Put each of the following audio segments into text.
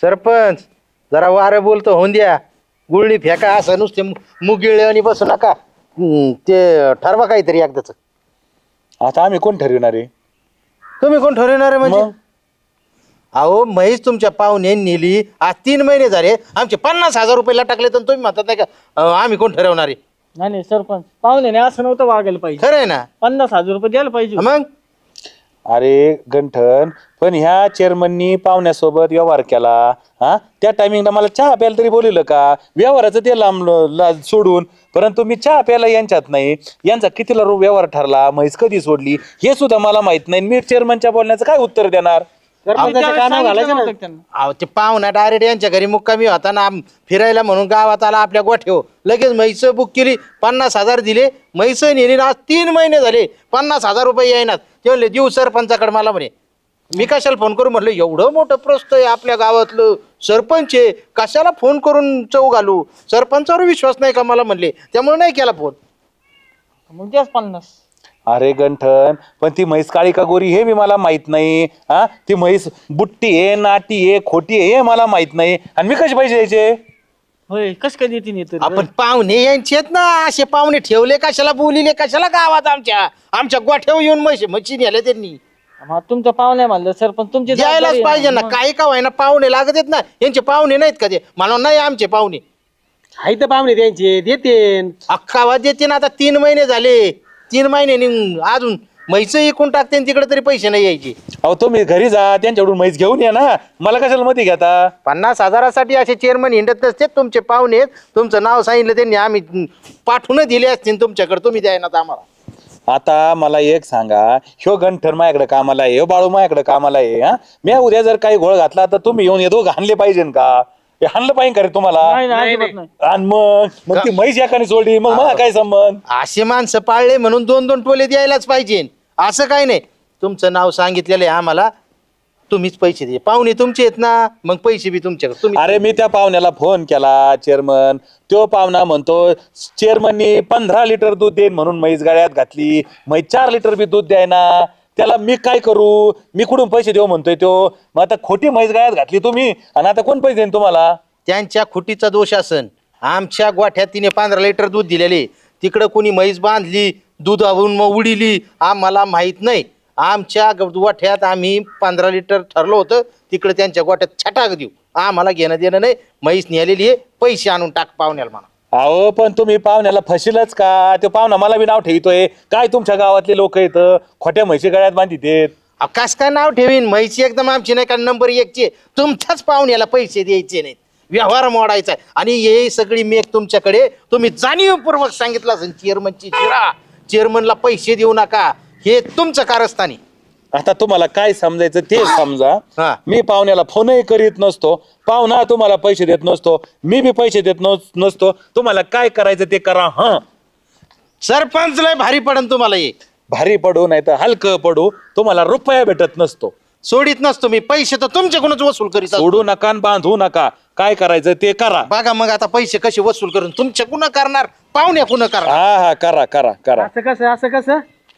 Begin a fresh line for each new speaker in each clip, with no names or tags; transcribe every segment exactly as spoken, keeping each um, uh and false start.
सरपंच जरा वारं बोलतो होऊन द्या. गुळणी फेका असं नुसते मुगिळे आणि बसू नका. हम्म, ते ठरवा काहीतरी एकदाच.
आता आम्ही कोण ठरविणार आहे?
तुम्ही कोण ठरवणार आहे म्हणजे?
मग?
अहो म्हैस तुमच्या पाहुणे नेली, आज तीन महिने झाले, आमचे पन्नास हजार रुपये टाकले, तर तुम्ही म्हणतात नाही का अं, आम्ही कोण ठरवणार आहे?
नाही नाही सरपंच पाहुणे असं नव्हतं वागायला पाहिजे.
खरं आहे ना?
पन्नास हजार रुपये द्यायला पाहिजे.
मग
अरे गंठन, पण ह्या चेअरमननी पाहुण्यासोबत व्यवहार केला. हा, त्या टायमिंगला मला चहा प्यायला तरी बोलवलं का? व्यवहाराचं ते लांब ला- सोडून, परंतु मी चहा प्यायला यांच्यात नाही. यांचा कितीला रू व्यवहार ठरला, म्हैस कधी सोडली हे सुद्धा मला माहित नाही. मी चेअरमनच्या बोलण्याचं काय उत्तर देणार?
सरपंचाच्या कानावर घालायचं नव्हतं त्यांना.
अहो ते पाहुणा डायरेक्ट यांच्या घरी मुक्कामी होता ना, आम- फिरायला म्हणून गावात आला आपल्या गोठ्यावर, लगेच म्हैस बुक केली, पन्नास हजार दिले, म्हैस नेली ना, आज तीन महिने झाले पन्नास हजार रुपये येईनात. ते म्हणले देऊ सरपंचाकडे. मला म्हणे मी कशाला फोन करू? म्हटलं एवढं मोठं प्रस्त आहे आपल्या गावातलं, सरपंच आहे, कशाला फोन करून चौ घालू? सरपंचावर विश्वास नाही का मला म्हणले, त्यामुळे नाही केला फोन.
मग द्याच पन्नास.
अरे गंठन, पण ती म्हैस काळी का गोरी हे बी मला माहित नाही. हा, ती म्हैस बुट्टी आहे, नाटी आहे, खोटी आहे हे मला माहित नाही. आणि मी कसे पैसे द्यायचे?
होय कस काय देते नाही तर?
आपण पाहुणे यांचे आहेत ना, असे पाहुणे ठेवले कशाला, बोलिले कशाला गावात आमच्या आमच्या गोठ्यावर येऊन म्हशी म्हशी नेल्या त्यांनी.
मग तुमचं पाहुणे म्हणलं सरपंच तुमची
द्यायलाच
जबाबदारी
पाहिजे
आहे
ना,
मग.
काही का व्हायना पाहुणे लागत आहेत ना. यांचे पाहुणे नाहीत का? ते मला नाही आमचे पाहुणे
हाय तर पाहुणे त्यांचे देते.
अख्खा वाद देते ना. आता तीन महिने झाले, तीन महिने अजून म्हैस इकून टाकते आणि तिकडे तरी पैसे नाही यायचे.
अहो तुम्ही घरी जा, त्यांच्याकडून म्हैस घेऊन या ना, मला कशाला मध्ये घेता?
पन्नास हजारासाठी असे चेअरमन हिंडत नसते तुमचे पाहुणे आहेत. तुमचं नाव सांगितलं त्यांनी, आम्ही पाठवून दिले असतील तुमच्याकडे, तुम्ही द्याय ना आम्हाला.
आता मला एक सांगा, ह्यो गंठन माझ्याकडे कामाला आहे, ह्यो बाळू माझ्याकडे कामाला आहे. हा, मी उद्या जर काही घोळ घातला तर तुम्ही येऊन हे दोघं हाणले पाहिजे का? हे हाणलं पाहिजे का रे तुम्हाला?
नाही नाही अजिबात नाही.
आणि मग मग ती म्हैस एकाने सोडली, मग मला काय संबंध?
असे माणसं पाळले म्हणून दोन दोन टोले द्यायलाच पाहिजे, असं काही नाही. तुमचं नाव सांगितलेलं आहे आम्हाला, तुम्हीच पैसे द्या. पाहुणे तुमचे आहेत ना, मग पैसे बी तुमच्याकडे. तुम्ही
अरे मी त्या पाहुण्याला फोन केला, चेअरमन. तो पाहुणा म्हणतो चेअरमननी पंधरा लिटर दूध देईन म्हणून म्हैस गाड्यात घातली, म्हैस चार लिटर बी दूध द्याय ना. त्याला मी काय करू? मी कुठून पैसे देऊ म्हणतोय तो. मग आता खोटी म्हैस गाड्यात घातली तुम्ही, आणि आता कोण पैसे देईन तुम्हाला?
त्यांच्या खुटीचा दोष असन. आमच्या गोठ्यात तिने पंधरा लिटर दूध दिलेले, तिकडं कोणी म्हैस बांधली, दुधावरून मग उडीली, आम्हाला माहित नाही. आमच्या गोठ्यात आम्ही पंधरा लिटर ठरलं होतं, तिकडे त्यांच्या गोठ्यात छटाक देऊ, आम्हाला घेणं देणं नाही. म्हैस नेलेली आहे, पैसे आणून टाक पाहुण्याला म्हणा.
अहो पण तुम्ही पाहुण्याला फशीलच का? तो पाहुणा मला बी नाव ठेवतोय काय तुमच्या गावातले लोक येत खोट्या म्हशी गळ्यात बांधितेत.
कस काय नाव ठेवीन? म्हैसी एकदम आमची नाही का नंबर एकची. तुमच्याच पाहुण्याला पैसे द्यायचे नाहीत, व्यवहार मोडायचा आहे. आणि हे सगळी मेक तुमच्याकडे, तुम्ही जाणीवपूर्वक सांगितलं असेल चेअरमनची जिरा, चेअरमनला पैसे देऊ नका, हे तुमचं कारस्थानी.
आता तुम्हाला काय समजायचं ते समजा.
हा.
मी पाहुण्याला फोनही करीत नसतो, पाहुणा तुम्हाला पैसे देत नसतो, मी बी पैसे देत नस- नसतो. तुम्हाला काय करायचं ते करा. हा,
सरपंच लय भारी पडन तुम्हाला, हे
भारी पडू नाही तर हलकं पडू, तुम्हाला रुपया भेटत नसतो.
सोडित नसतो मी. पैसे तर तुमच्याकडूनच वसूल करीत असतो.
सोडू नका आणि बांधू नका, काय करायचं ते करा.
बघा मग आता पैसे कसे वसूल करून, तुमच्या कुणा करणार, पाहुण्या कुणा करणार.
हा हा, करा करा करा.
असं कसं असं कसं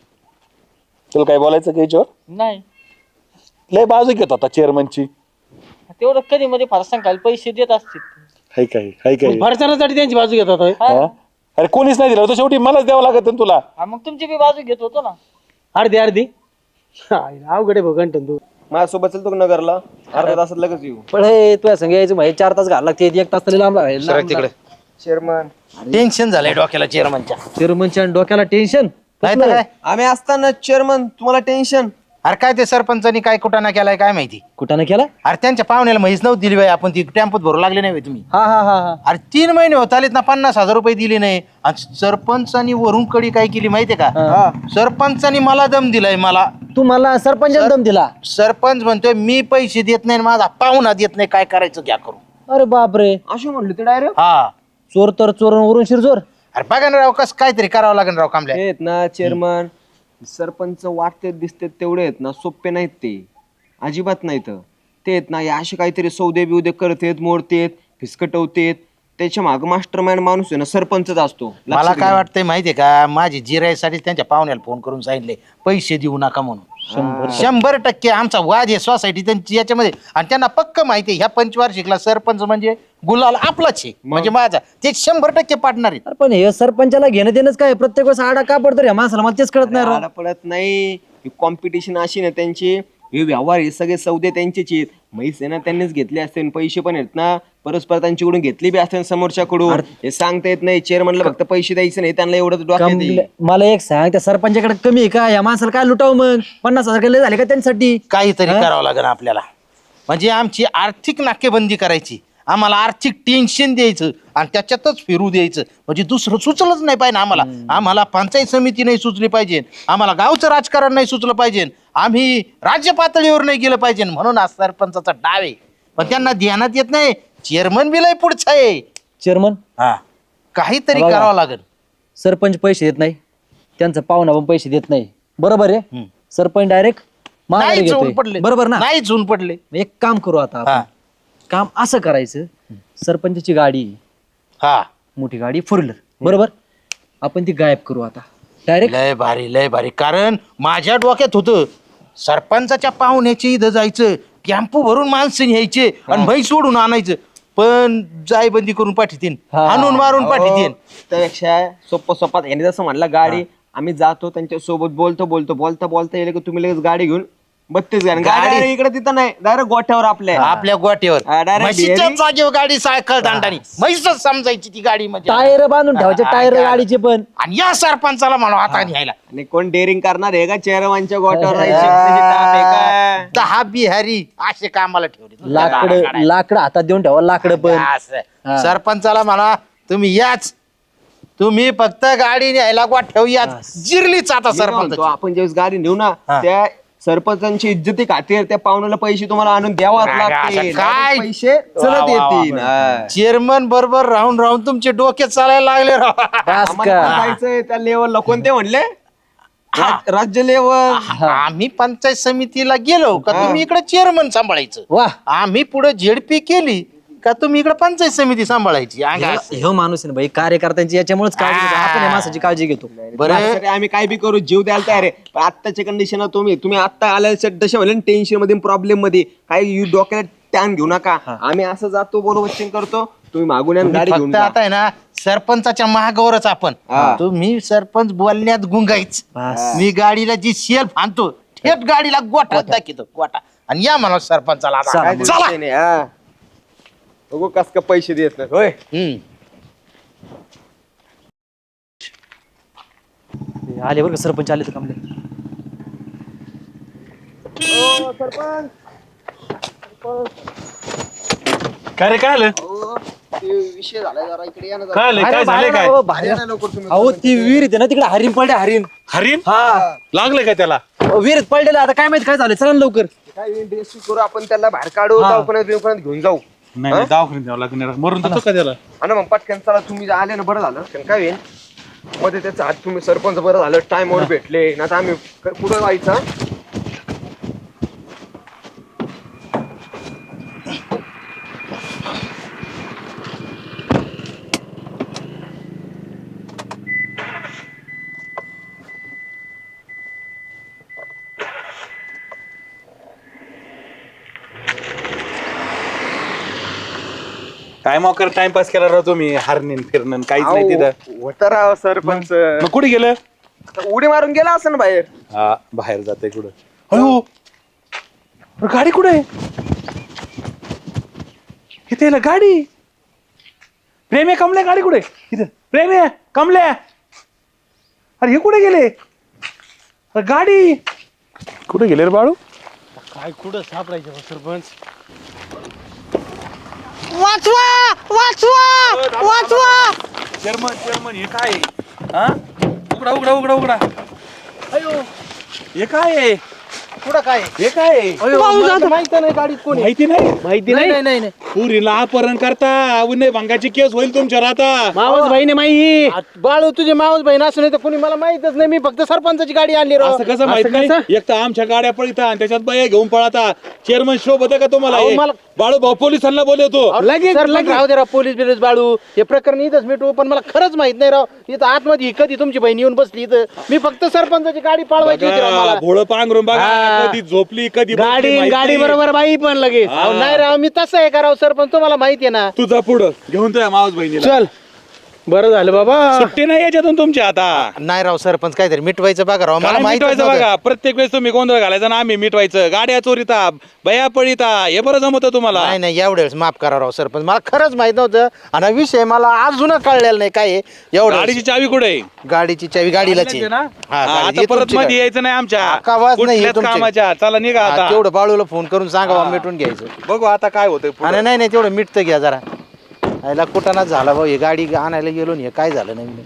तुला काय बोलायचं का याच्यावर?
नाही
लय बाजू घेत होता चेअरमनची.
तेवढं कधी मध्ये फार सांगायला पैसे देत असतील.
हाय काय हाय काय
भरसण्यासाठी त्यांची बाजू घेतात होय.
हा? अरे कोणीच नाही दिलं होतं, शेवटी मलाच द्यावं लागत ना तुला.
हा, मग तुमची बी बाजू घेत होतो ना.
अर्धी अर्धी हाय, अवघड आहे भाऊ गंठन तू.
माझ्यासोबत चलतो का नगरला? अर्ध्या तासात लगेच येऊ.
पण हे तुझ्या संग यायचं माहिती चार तास घाल लागते, एक तास तरी लांब
सरक तिकडे.
चेअरमन
टेन्शन झालंय डोक्याला चेअरमनच्या.
चेअरमनच्या डोक्याला टेन्शन.
नाही तर काय.
आम्ही असताना चेअरमन तुम्हाला टेन्शन.
अरे काय ते सरपंचानी काय कुठाना केलाय काय माहिती.
कुठं नाही केला?
अरे त्यांच्या पाहुण्याला म्हैस नव्हती दिली बाई, आपण ती टेम्पोत भरू लागले नाही तुम्ही.
हा हा हा हा
अरे तीन महिने होत आलेत ना, पन्नास हजार रुपये दिले नाही. आणि सरपंचानी वरून कडी काय केली माहितीये का? सरपंचानी मला दम दिलाय. मला
तू मला सरपंच दम दिला?
सरपंच म्हणतोय मी पैसे देत नाही, माझा पाहुणा देत नाही, काय करायचं घ्या करू.
अरे बापरे,
अशी म्हणले ते डायरेक्ट.
हा,
चोर तर चोर वरून शिरजोर.
अरे बघा ना राव, कसं काहीतरी करावं लागेल राव कामल्या.
आहेत ना चेअरमन, सरपंच वाटते दिसते तेवढे आहेत ना, सोपे नाहीत ते, अजिबात नाहीत ते. आहेत ना हे असे काहीतरी सौदे बिवदे करतेत, मोडतेत, फिसकटवतेत. त्याच्या माग मास्टर माइंड माणूस आहे ना सरपंचच असतो.
मला
लक्षात
काय
घ्या.
वाटतंय माहितीये का, माझी जिरायसाठी त्यांच्या पाहुण्याला फोन करून सांगितले पैसे देऊ नका म्हणून. शंभर टक्के आमचा वाद आहे सोसायटी त्यांची याच्यामध्ये, आणि त्यांना पक्क माहिती आहे ह्या पंचवार्षिकला सरपंच म्हणजे गुलाल आपलाच आहे, म्हणजे माझा, ते शंभर टक्के पाडणार आहेत.
अरे पण हे सरपंचाला घेणं देणंच काय, प्रत्येक वेळेस आडा का पडतो रे माणसाला, मला तेच कळत नाही राव.
आला पडत नाही. कॉम्पिटिशन अशी ना त्यांची, हे व्यवहार हे सगळे सौदे त्यांचेच आहेत. म्हैस आहे ना त्यांनीच घेतले असते, पैसे पण आहेत ना परस्पर त्यांच्याकडून घेतले बी असते समोरच्याकडून. हे सांगता येत नाही. चेअरमनला फक्त पैसे द्यायचे नाही, त्यांना एवढं डोक्यात येईल.
कमले- मला एक सांग, त्या सरपंचाकडे कमी आहे का, या माणसाला काय लुटाव मग, पन्नास हजार लय झाले का त्यांच्यासाठी.
काहीतरी करावं लागेल आपल्याला, म्हणजे आमची आर्थिक नाकेबंदी करायची, आम्हाला आर्थिक टेन्शन द्यायचं आणि त्याच्यातच फिरू द्यायचं, म्हणजे दुसरं सुचलंच नाही पाहिजे आम्हाला. आम्हाला पंचायत समिती नाही सुचली पाहिजे, आम्हाला गावचं राजकारण नाही सुचलं पाहिजे, आम्ही राज्य पातळीवर नाही गेलं पाहिजे, म्हणून आज सरपंचाचा डाव आहे. पण त्यांना ध्यानात येत नाही, चेअरमन बी लय पुढचा आहे.
चेअरमन
हा, काहीतरी
बघा.
करावं लागेल.
सरपंच पैसे देत नाही, त्यांचा पाहुणा पण पैसे देत नाही, बरोबर आहे.
हम्म.
सरपंच डायरेक्ट माघारी
नाही
घेतोय.
ऊन पडले,
बरोबर ना.
नाही ऊन पडले.
एक काम करू आता आपण.
हा
काम असं करायचं, सरपंचाची गाडी
हा,
मोठी गाडी फोर व्हीलर, बरोबर, आपण ती गायब करू आता डायरेक्ट.
लय भारी लय भारी. कारण माझ्या डोक्यात होतं सरपंचाच्या पाहुण्याच्या इथं जायचं, टॅम्पो भरून माणसं न्यायचे आणि म्हैस सोडून आणायचं, पण जायबंदी करून पाठीतीन,
हा.
आणून मारून पाठीतीन.
त्यापेक्षा सोप्पा सोप्पा यांनी जसं म्हणलं गाडी, आम्ही जातो त्यांच्या सोबत बोलतो बोलतो बोलता बोलता येईल की तुम्ही लगेच गाडी घेऊन बत्तीस गाडी
गाडी-
गाडी इकडे तिथं नाही, डायरेक्ट गोठ्यावर आपल्या.
आपल्या गोट्यावर
हा, direct
म्हशीच्या
बिहारी.
जागेवर गाडी सायकल दांडानी म्हैसच समजायची ती गाडी म्हणजे.
टायर बांधून ठेवायचे,
हा,
टायर
हा,
गाडीचे पण.
आणि या सरपंचाला म्हणा आता न्यायला
आणि कोण डेअरिंग करणार आहे का चेअरमनच्या गोठ्यावर राहायची? त्याची ताप आहे का?
दहा बिहारी असे कामाला ठेवले.
लाकड लाकड हातात देऊन ठेवा, लाकड पण.
असं. सरपंचाला म्हणा तुम्ही याच, तुम्ही फक्त गाडी न्यायला गोठ्यावर याच, जिरलीच आता
मी काय म्हणतो,
सरपंच.
आपण ज्यावेळेस गाडी नेऊ ना,
हा.
त्या सरपंचांची इज्जती खातीर त्या पाहुण्याला पैसे तुम्हाला आणून द्यावाच
काय-
लागतील.
काय-
पैसे चलत येतील. हा.
चेअरमन बरोबर राहून राहून तुमचे डोके चालायला लागले राव.
बस
आम्हाला
का.
पण जायचंय त्या लेवलला. कोणते म्हणले? राज- राज्य लेवल.
आम्ही पंचायत समितीला गेलो का तुम्ही इकडे चेअरमन सांभाळायचं,
वा,
आम्ही पुढे झेडपी केली का तुम्ही इकडे पंचायत समिती सांभाळायची. अंगा असं.
ह्यो माणूस आहे ना भाई, कार्यकर्त्यांची याच्यामुळेच काळजी घेतो. आपण या माणसाची काळजी घेतो.
बरं
माझ्यासाठी आम्ही काय बी करू, जीव द्यायला तयार आहे. पण आत्ताच्या कंडिशन तुम्ही तुम्ही आता आल्या दशा व्हायला टेन्शन मध्ये प्रॉब्लेम मध्ये काही डोक्याला टॅन घेऊ नका. आम्ही असं जातो बरोबर करतो, तुम्ही मागून या आणि गाडी घेऊन
फक्त
जा.
आता आहे ना सरपंचाच्या महागावरच आपण,
हा.
तुम्ही सरपंच बोलण्यात गुंगायच,
बस.
मी गाडीला जी शेल्फ आणतो थेट गाडीला गोठा दाखवतो गोठा, आणि या म्हणा सरपंचाला आता.
काय ते
चला.
विषय नाही, हा. बघू कस का पैसे देत नाही होय.
हम्म.
आले बरं का सरपंच, आले तर कमले.
काय रे, काय आलं
विषय झालाय जरा इकडे या ना जरा.
काय आलं काय झालंय काय
अहो, बाहेर-
या ना लवकर तुम्ही.
अहो ती विहिरीत आहे ना तिकडे, हरिण पडले, हरिण.
हरीण
हा,
लागलं काय त्याला?
विहिरीत पडलेलं, आता काय माहित काय झालं, चला ना लवकर.
काय इंटरेस्ट करू आपण, त्याला बाहेर काढू,
हा.
दवाखान्यात बिवखान्यात घेऊन जाऊ.
नाही नाही, दवाखान्यात द्यावं लागणार, मरून जातो का त्याला?
आणि मग पटकन चला, तुम्ही आले ना बरं झालं. कारण काय होईल मध्ये त्याचा हात, तुम्ही सरपंच बरं झालं टाइमवर भेटले ना, आता आम्ही क- कुठं जायचं?
काय मोकर टाइमपास केला राहतो मी, हरणीन फिरणं काहीच नाही तिथं.
होतं राव सरपंच.
मग कुठे गेलं?
आता उडी मारून गेला असं ना बाहेर.
हा, बाहेर जाते कुठं? अयो, अरे गाडी कुठे आहे? इथे याला गाडी. प्रेम आहे, कमल्या गाडी कुठे? इथं प्रेम आहे, कमल्या. अरे हे कुठे गेले? अरे गाडी कुठे गेले रे बाळू?
काय कुठं सापडायचं हो सरपंच?
वाचवा वाचवा वाचवा.
चेअरमन चेअरमन हे काय आहे? हा, उघडा उघडा उघडा उघडा. अयो, हे काय आहे?
पुढं काय
हे काय आहे?
माहिती नाही गाडीत कोणी.
माहिती नाही.
माहिती
नाही
नाही.
नाही नाही
पुरीला अपहरण करता, उन्हे भंगाची केस होईल तुमच्यावर आता.
मावस बहिणी माही.
आ, बाळू तुझे मावस बहीण असं नाही तर कोणी मला माहितच नाही, मी फक्त सरपंचाची गाडी आणली राव.
असं कसं माहित नाही? एक तर आमच्या गाड्या पळता आणि त्याच्यात बाया घेऊन पळता. चेअरमन शोभ होतं का तुम्हाला
अहो,
हे?
मला
बाळू भाऊ पोलिसांना बोलवतो.
लगेच
सरपंच
लगेच
राहू दे राव, पोलीस बिलीस बाळू हे प्रकरण इथंच मिटू. पण मला खरंच माहित नाही राव, इथं आतमध्ये कधी तुमची बहीण येऊन बसली इथं. मी फक्त सरपंचाची गाडी पाळवायची होती राव मला.
भोळ पांघरून बघा
हा.
कधी झोपली कधी
गाडी
बसली, माहित
गाडी
नाही.
बरोबर बाई पण लगेच
अहो, नाही राव, मी तसं आहे का राव सरपंच, तुम्हाला माहिती आहे ना.
तुझा पुढं घेऊन तुझ्या मावस बहिणीला.
चल बरं झालं बाबा.
सुट्टी नाही याच्यातून तुमची आता.
नाही राव सरपंच, काहीतरी मिटवायचं बघा राव, मला
काय
माहित
मिटवायचं बघा, प्रत्येक वेळेस तुम्ही गोंधळ घालायचा ना आम्ही मिटवायचं. गाड्या चोरीता बया पडिता हे बरं जमतं तुम्हाला.
नाही नाही, एवढ्या वेळेस माफ करा राव सरपंच, मला खरंच माहित नव्हतं. आणि हा विषय मला अजून कळलेला नाही काय आहे. एवढं
गाडीची चावी कुठे आहे?
गाडीची चावी गाडीलाच आहे.
हा,
हा, गाडी-
आता
हे
परत
तुमची
मध्ये
गाडी.
यायचं नाही आमच्या
अक्का वाज नाही, हे
कुठल्याच
तुमची.
कामाच्या. चला निघा
हा,
आता.
तेवढं बाळूला फोन करून सांगा मिटून घ्यायचं.
बघू आता काय होतंय पुढं.
आणि नाही नाही, तेवढं मिटतं घ्या जरा. याला कुठानाच झाला भाऊ, हे गाडी आणायला गेलो नाही, हे काय झालं नाही.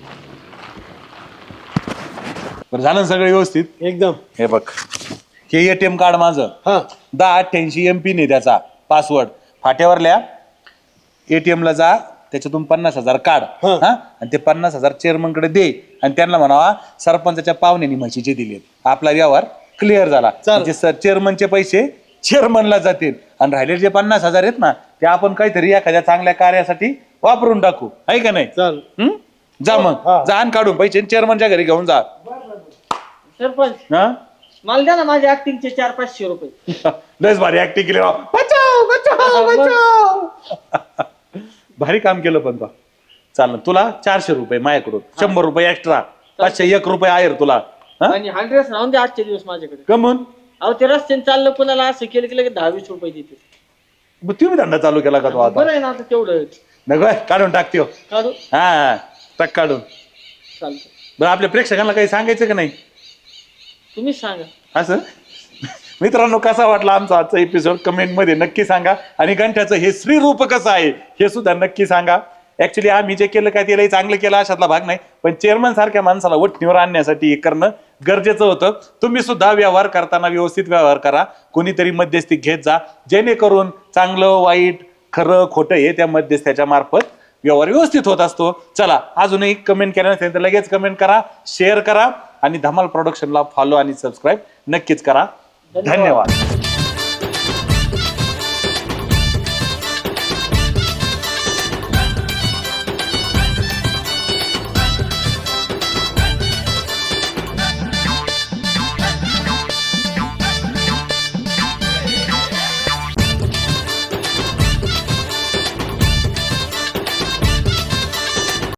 बरं झालं ना सगळं व्यवस्थित?
एकदम.
हे बघ, हे एटीएम कार्ड माझं
हा
दहा अठ्ठ्याऐंशी एम पिन आहे त्याचा पासवर्ड. फाट्यावरल्या एटीएम ला जा, त्याच्यातून पन्नास हजार काढ
हा.
हा, आणि ते पन्नास हजार चेअरमन कडे दे आणि त्यांना म्हणावा सरपंचाच्या पाहुण्यांनी म्हशीचे दिलेत. आपला व्यवहार क्लिअर झाला. म्हणजे सर चेअरमनचे पैसे चेअरमनला जातील आणि राहिले जे पन्नास हजार आहेत ना ते आपण काहीतरी एखाद्या चांगल्या कार्यासाठी वापरून टाकू, आहे का नाही?
चल
हम्म? जा मग, जा आणि काढून पैसे चेअरमनच्या घरी घेऊन जा.
सरपंच
हा
मला द्या ना माझ्या ऍक्टिंगचे चार पाचशे रुपये.
लयच भारी ऍक्टिंग केली राव. बचाव बचाव बचाव. भारी काम केलं पण बा. चाल तुला चारशे रुपये माझ्याकडून, शंभर रुपये एक्स्ट्रा, पाचशे एक रुपये आहे तुला. हा?
आणि हंड्रेड राहून द्या आजचे दिवस माझ्याकडे.
कमून
अहो ते रस्त्याने चाललं कोणाला असं केलं की लगेच दहा वीस रुपये देते.
मग तुम्ही धंदा चालू केला का तो आता?
बरं आहे ना आता तेवढं
नको काढून टाकतो.
काढू
हा टाक काढून.
चालतं.
बरं आपल्या प्रेक्षकांना काही सांगायचं का नाही
तुम्हीच सांगा.
असं? मित्रांनो कसा वाटला आमचा आजचा एपिसोड कमेंट मध्ये नक्की सांगा. आणि घंट्याचं हे श्रीरूप कसं आहे हे सुद्धा नक्की सांगा. ऍक्च्युली आम्ही जे केलं काय त्यालाही चांगलं केलं अशातला भाग नाही, पण चेअरमन सारख्या माणसाला वठणीवर आणण्यासाठी हे करणं गरजेचं होतं. तुम्ही सुद्धा व्यवहार करताना व्यवस्थित व्यवहार करा, कोणीतरी मध्यस्थी घेत जा, जेणेकरून चांगलं वाईट खरं खोटं हे त्या मध्यस्थ्याच्या मार्फत व्यवहार व्यवस्थित होत असतो. चला अजूनही कमेंट केल्या नसेल तर लगेच कमेंट करा, शेअर करा आणि धमाल प्रोडक्शनला फॉलो आणि सबस्क्राईब नक्कीच करा. धन्यवाद.